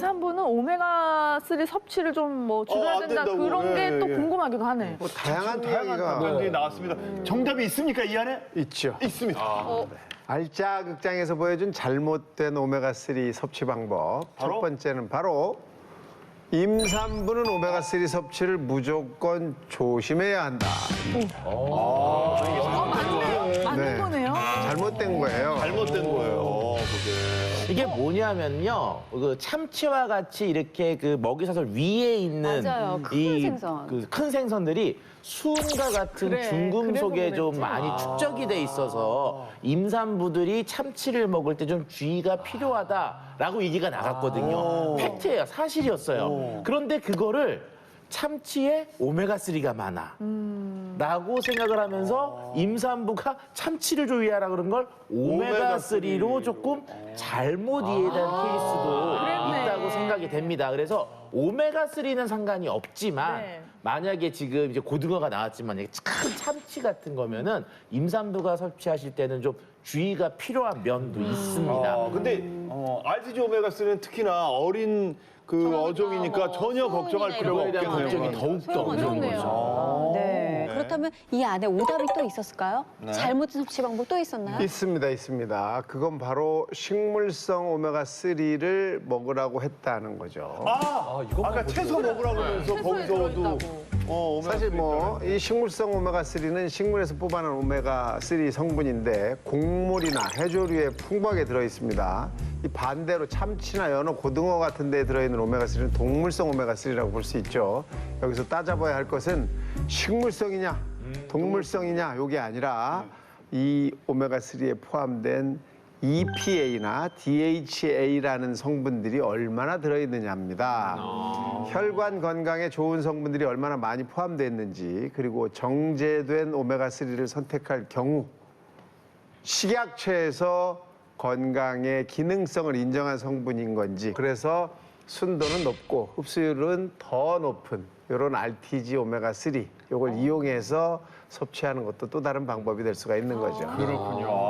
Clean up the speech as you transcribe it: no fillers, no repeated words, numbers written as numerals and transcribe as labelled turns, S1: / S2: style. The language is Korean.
S1: 임산부는 오메가3 섭취를 좀 뭐 줄여야
S2: 안
S1: 된다
S2: 된다고.
S1: 그런 게 또
S2: 예.
S1: 궁금하기도 하네.
S3: 뭐 다양한
S2: 다양한
S3: 이야기가
S2: 답변들이 나왔습니다. 정답이 있습니까, 이 안에?
S3: 있죠.
S2: 있습니다.
S3: 알짜 극장에서 보여준 잘못된 오메가3 섭취 방법.
S2: 바로?
S3: 첫 번째는 바로 임산부는 오메가3 섭취를 무조건 조심해야 한다.
S1: 맞는
S3: 네.
S1: 거네요.
S3: 잘못된 거예요.
S2: 잘못된 거예요, 그게.
S4: 이게 뭐냐면요, 그 참치와 같이 이렇게 그 먹이사슬 위에 있는
S5: 맞아요. 큰 생선.
S4: 그 큰 생선들이 수은과 같은
S1: 그래,
S4: 중금속에
S1: 그래서
S4: 좀
S1: 그랬지.
S4: 많이 축적이 돼 있어서 임산부들이 참치를 먹을 때 좀 주의가 필요하다라고 얘기가 나갔거든요. 팩트예요, 사실이었어요. 그런데 그거를 참치에 오메가3가 많아. 라고 생각을 하면서 임산부가 참치를 조리하라 그런 걸 오메가3로 조금 잘못 이해된 케이스도
S1: 그랬네.
S4: 있다고 생각이 됩니다. 그래서 오메가3는 상관이 없지만
S1: 네.
S4: 만약에 지금 이제 고등어가 나왔지만 이게 큰 참치 같은 거면은 임산부가 섭취하실 때는 좀 주의가 필요한 면도 있습니다.
S2: 근데 RTG 오메가3는 특히나 어린 그 어종이니까 전혀 걱정할 필요가
S4: 그거에 대한 걱정이
S2: 없겠네요.
S4: 더욱더 어려운 거죠.
S5: 네. 그렇다면 이 안에 오답이 또 있었을까요? 잘못된 섭취 방법 또 있었나요?
S3: 있습니다. 그건 바로 식물성 오메가3를 먹으라고 했다는 거죠.
S2: 아까 채소 먹으라고 하면서 거기서도 오메가3
S3: 사실 뭐 이 식물성 오메가3는 식물에서 뽑아낸 오메가3 성분인데 곡물이나 해조류에 풍부하게 들어 있습니다. 이 반대로 참치나 연어, 고등어 같은 데에 들어있는 오메가3는 동물성 오메가3라고 볼 수 있죠. 여기서 따져봐야 할 것은 식물성이냐, 동물성이냐 요게 아니라 이 오메가3에 포함된 EPA나 DHA라는 성분들이 얼마나 들어있느냐입니다. 혈관 건강에 좋은 성분들이 얼마나 많이 포함되어 있는지, 그리고 정제된 오메가3를 선택할 경우 식약처에서 건강의 기능성을 인정한 성분인 건지, 그래서 순도는 높고 흡수율은 더 높은 이런 RTG 오메가3 이걸 이용해서 섭취하는 것도 또 다른 방법이 될 수가 있는 거죠.
S2: 그렇군요.